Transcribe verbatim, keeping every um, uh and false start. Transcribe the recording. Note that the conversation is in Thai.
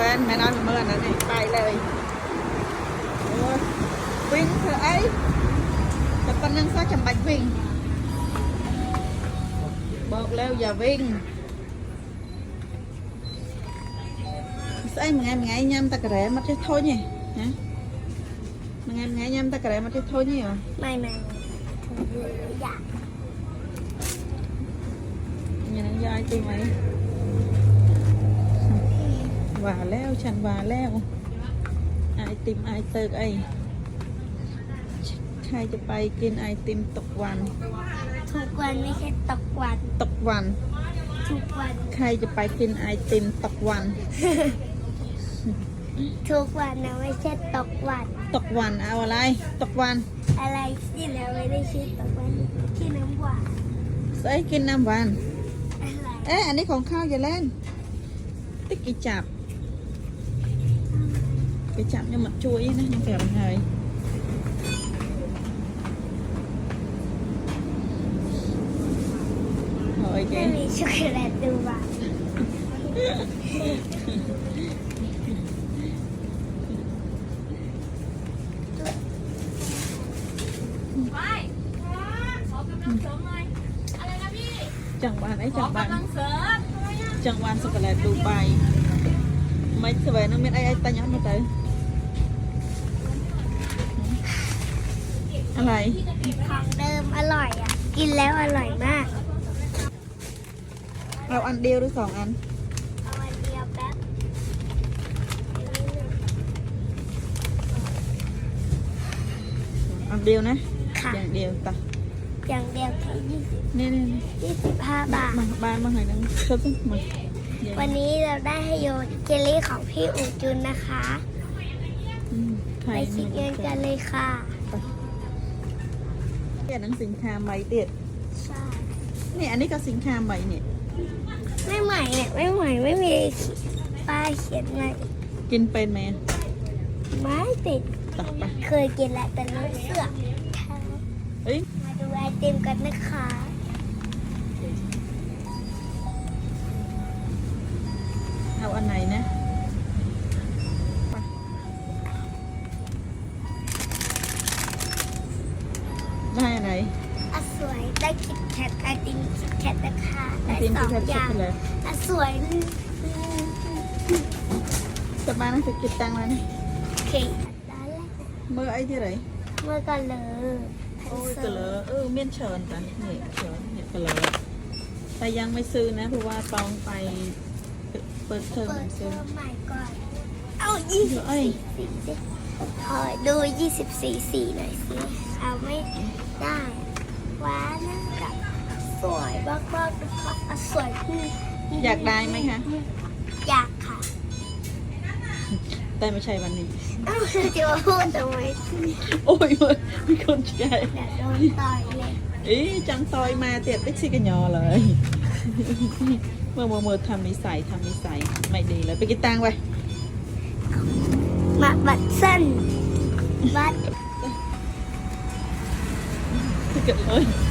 นแม่น้อยเมื่อนั้นนี่ไปเลยวิ่งเถอะไอ้แต่ตอนนั้นก็จำบัดวิ่งบอกแล้วอย่าวิ่งใส่มึงไงมึงไงยำตะกระแรมัดจะโทษนี่ฮะมึงไงมึงไงยำตะกระแรมัดจะโทษนี่เหรอไม่ไม่อยากอย่างนั้นยายตีไหมว่าแล้วฉันว่าแล้วไอติมไอเติร์กไอใครจะไปกินไอติมตกวันทุกวันไม่ใช่ตกวันตกวันทุกวันใครจะไปกินไอติมตกวันทุกวันนะไม่ใช่ตกวันตกวันเอาอะไรตกวันอะไรที่แล้วไม่ได้ชื่อตกวันที่น้ำหวานใส่กินน้ำหวานเอ๊ะอันนี้ของข้าวอย่าเล่นติ๊กกีจับกีจับnhưng mà chuốiนะยังแก่มันเลยไม่มีช็อกโกแลตดูบ้างไปขอกำลังเสริมหน่อยอะไรนะพี่จังหวานไอ้จังหวานกำลังเสริมจังหวานช็อกโกแลตดูใบไม่สบายน้องเม็ดไอ้ไอ้ตาย้อนมาเตยอะไรของเดิมอร่อยอ่ะกินแล้วอร่อยมากเราอันเดียวหรือสองอันเอาอันเดียวแป๊บอันเดียวนะค่ะอย่างเดียวต่ออย่างเดียวแค่ยี่สิบนี่นี่ยี่สิบห้าบาทมาบ้านมาหน่อยนึงชอบมาวันนี้เราได้ให้โยนเจลลี่ของพี่อูจุนนะคะไปชิมกันเลยค่ะเนี่ยหนังสินค้าใหม่เด็ดใช่เนี่ยอันนี้ก็สินค้าใหม่เนี่ยไม่ใหม่เนี่ยไม่ใหม่ไม่มีป้ายเขียนใหม่กินเป็นไหมไม่ติดต่อไปเคยกินแล้วแต่ไม่เสื่อมเอ้ยมาดูไอติมกันนะคะเอาอันไหนนะได้อะไรอ่ะสวยได้คิดแคทไอติมคิดแคทนะคะได้สองอย่างอ่ะสวยจะมานะจะเก็บตังค์แล้วนะโอเคได้แล้วเมื่อไอ้ที่ไหนเมื่อกันเลยโอ้ยกะเลอเออเมียนเชิญกันนี่เชิญเนี่ยกะเลอแต่ยังไม่ซื้อนะเพราะว่าต้องไปเปิดเทอมซื้อใหม่ก่อนเอายี่สิบสี่สีสิขอดูยี่สิบสี่สีหน่อยสิเอาไม่ได้ว้านะกับสวยมากมากนะคะสวยขึ้นอยากได้ไหมคะอยากค่ะแต่ไม่ใช่วันนี้อ้าวจะมาพูดทำไมโอ้ยมีคนใจอยากโดนต่อยเลย ý chẳng tôi mà tiệt tích xí cái nhỏเลยmơ mơ mơทำนิสัยทำนิสัยไม่ดีเลยไปกินตังไปมาบัดสั้นบัดเกิดเลย